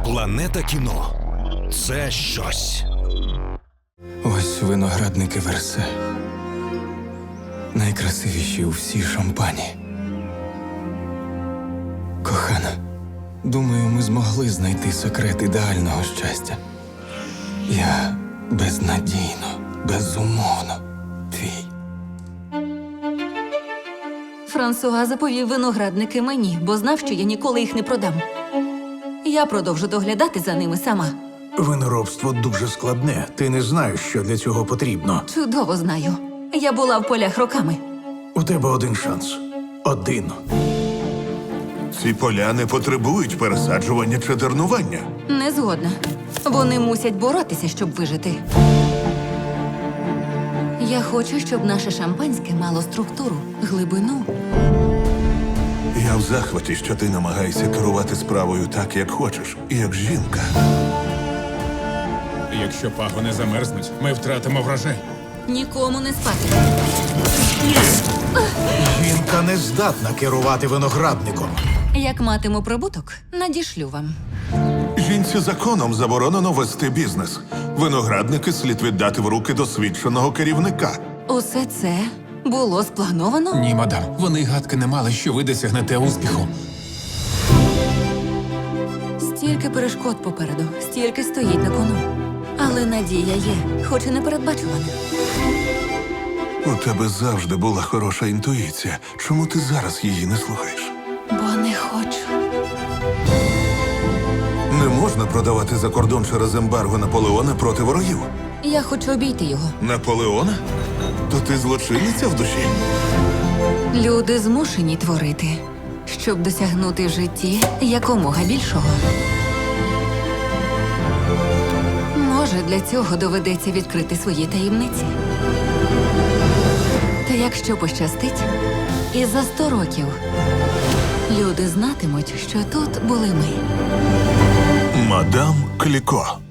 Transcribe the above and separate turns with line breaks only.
Планета кіно – це щось.
Ось виноградники Версе. Найкрасивіші у всій Шампані. Кохана, думаю, ми змогли знайти секрет ідеального щастя. Я безнадійно, безумовно твій.
Франсуа заповів виноградники мені, бо знав, що я ніколи їх не продам. Я продовжу доглядати за ними сама.
Виноробство дуже складне. Ти не знаєш, що для цього потрібно.
Чудово знаю. Я була в полях роками.
У тебе один шанс. Один.
Ці поля не потребують пересаджування чи дернування.
Не згодна. Вони мусять боротися, щоб вижити. Я хочу, щоб наше шампанське мало структуру, глибину.
Я в захваті, що ти намагаєшся керувати справою так, як хочеш, як жінка.
Якщо пагони замерзнуть, ми втратимо врожай.
Нікому не спати.
Жінка не здатна керувати виноградником.
Як матиму прибуток, надішлю вам.
Жінці законом заборонено вести бізнес. Виноградники слід віддати в руки досвідченого керівника.
Усе це було сплановано?
Ні, мадам, вони й гадки не мали, що ви досягнете успіху.
Стільки перешкод попереду, стільки стоїть на кону. Але надія є, хоч і непередбачувана.
У тебе завжди була хороша інтуїція. Чому ти зараз її не слухаєш?
Бо не хочу.
Не можна продавати за кордон через ембарго Наполеона проти ворогів.
Я хочу обійти його.
Наполеона? То ти злочинниця в душі?
Люди змушені творити, щоб досягнути в житті якомога більшого. Може, для цього доведеться відкрити свої таємниці. Та якщо пощастить, і за 100 років люди знатимуть, що тут були ми.
Мадам Кліко.